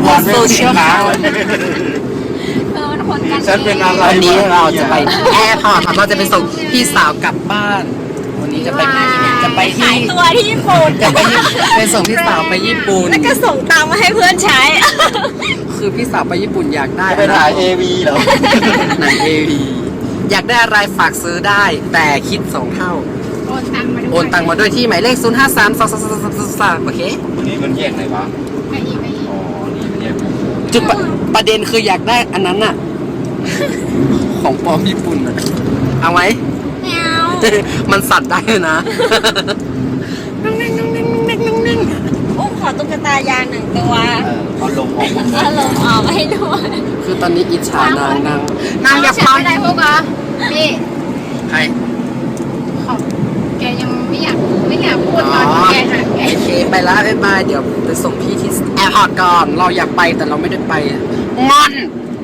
บนโซเชียลค่ะมันคนกันฉันเป็นอะไรวันนี้เราจะไปแอร์พอร์ตครับเราจะไปส่งพี่สาวกลับบ้าน วันนี้จะไปที่ขายตัวที่ญี่ปุ่นจะไปส่งพี่สาวไปญี่ปุ่นแล้วก็ส่งตังค์มาให้เพื่อนใช้คือพี่สาวไปญี่ปุ่นอยากได้ไปถ่าย AV เหรอหนังเอวีอยากได้อะไรฝากซื้อได้ แต่คิด2 เท่า โอนตังมาด้วยที่หมายเลข 053 233 โอเควันนี้มันแยกไหนวะไปอีกอ๋อ นี่มันแยกจุดประเด็นคืออยากได้อันนั้นน่ะ ของปลอมญี่ปุ่นน่ะเอาไหมแมวมันสั่นได้เลยนะอุ้มขอตุ๊กตายาง1 ตัวเขาลงออกหมดเลอาย รมณ์ออกให้ด้วยคือตอนนี้อิจฉานางอยากฉันฟังไม่ได้พวกเหรอพี่ใครเขาแกยังไม่อยากพูดตอนที่แกหาแกโอเคไปแล้วบ๊ายบายเดี๋ยวไปส่งพี่ที่แอร์พอร์ตก่อน เราอยากไปแต่เราไม่ได้ไปงอน